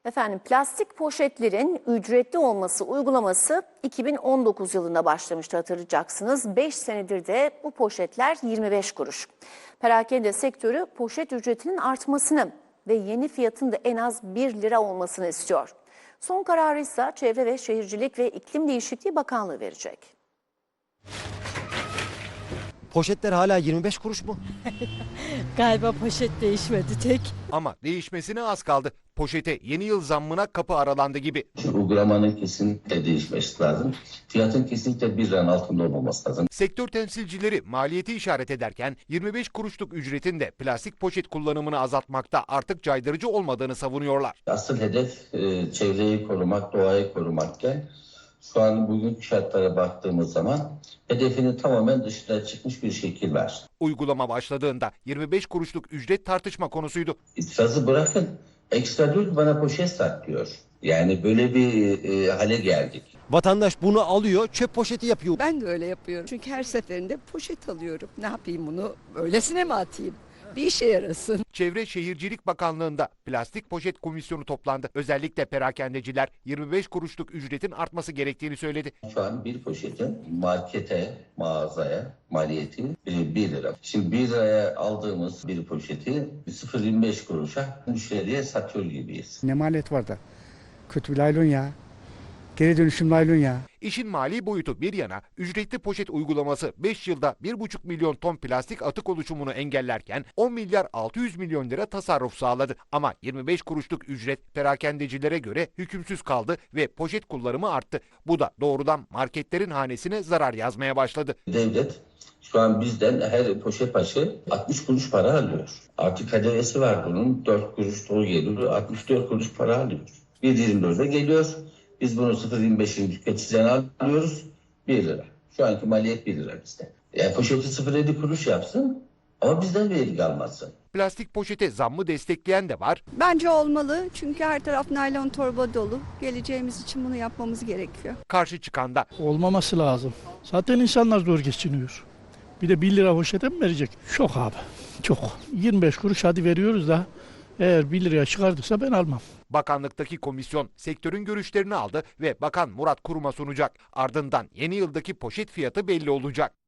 Efendim plastik poşetlerin ücretli olması uygulaması 2019 yılında başlamıştı hatırlayacaksınız. 5 senedir de bu poşetler 25 kuruş. Perakende sektörü poşet ücretinin artmasını ve yeni fiyatın da en az 1 lira olmasını istiyor. Son kararı ise Çevre ve Şehircilik ve İklim Değişikliği Bakanlığı verecek. Poşetler hala 25 kuruş mu? Galiba poşet değişmedi tek. Ama değişmesine az kaldı. Poşete yeni yıl zammına kapı aralandı gibi. Uygulamanın kesinlikle değişmesi lazım. Fiyatın kesinlikle 1 liranın altında olmaması lazım. Sektör temsilcileri maliyeti işaret ederken 25 kuruşluk ücretin de plastik poşet kullanımını azaltmakta artık caydırıcı olmadığını savunuyorlar. Asıl hedef çevreyi korumak, doğayı korumakken şu an bugünkü şartlara baktığımız zaman hedefinin tamamen dışına çıkmış bir şekil var. Uygulama başladığında 25 kuruşluk ücret tartışma konusuydu. İtirazı bırakın, ekstra diyor ki bana poşet sat diyor. Yani böyle bir hale geldik. Vatandaş bunu alıyor, çöp poşeti yapıyor. Ben de öyle yapıyorum. Çünkü her seferinde poşet alıyorum. Ne yapayım bunu? Öylesine mi atayım? Bir işe yarasın. Çevre Şehircilik Bakanlığı'nda plastik poşet komisyonu toplandı. Özellikle perakendeciler 25 kuruşluk ücretin artması gerektiğini söyledi. Şu an bir poşetin markete, mağazaya maliyeti 1 lira. Şimdi 1 liraya aldığımız bir poşeti 0,25 kuruşa müşteriye satıyor gibiyiz. Ne maliyet var da? Kötü bir laylon ya. Geri dönüşüm laylon ya. İşin mali boyutu bir yana ücretli poşet uygulaması 5 yılda 1,5 milyon ton plastik atık oluşumunu engellerken 10 milyar 600 milyon lira tasarruf sağladı. Ama 25 kuruşluk ücret perakendecilere göre hükümsüz kaldı ve poşet kullanımı arttı. Bu da doğrudan marketlerin hanesine zarar yazmaya başladı. Devlet şu an bizden her poşet başı 60 kuruş para alıyor. Artık KDV'si var bunun. 4 kuruş dolu geliyor. 64 kuruş para alıyor. 1,24'e geliyor. Biz bunu 0,25'in tüketiciden alıyoruz 1 lira. Şu anki maliyet 1 lira bizde. Yani poşeti 0,7 kuruş yapsın ama bizden vergi almasın. Plastik poşete zammı destekleyen de var. Bence olmalı çünkü her taraf naylon torba dolu. Geleceğimiz için bunu yapmamız gerekiyor. Karşı çıkan da. Olmaması lazım. Zaten insanlar zor geçiniyor. Bir de 1 lira poşete mi verecek? Çok abi, çok. 25 kuruş hadi veriyoruz da eğer 1 liraya çıkardıysa ben almam. Bakanlıktaki komisyon sektörün görüşlerini aldı ve Bakan Murat Kurum'a sunacak. Ardından yeni yıldaki poşet fiyatı belli olacak.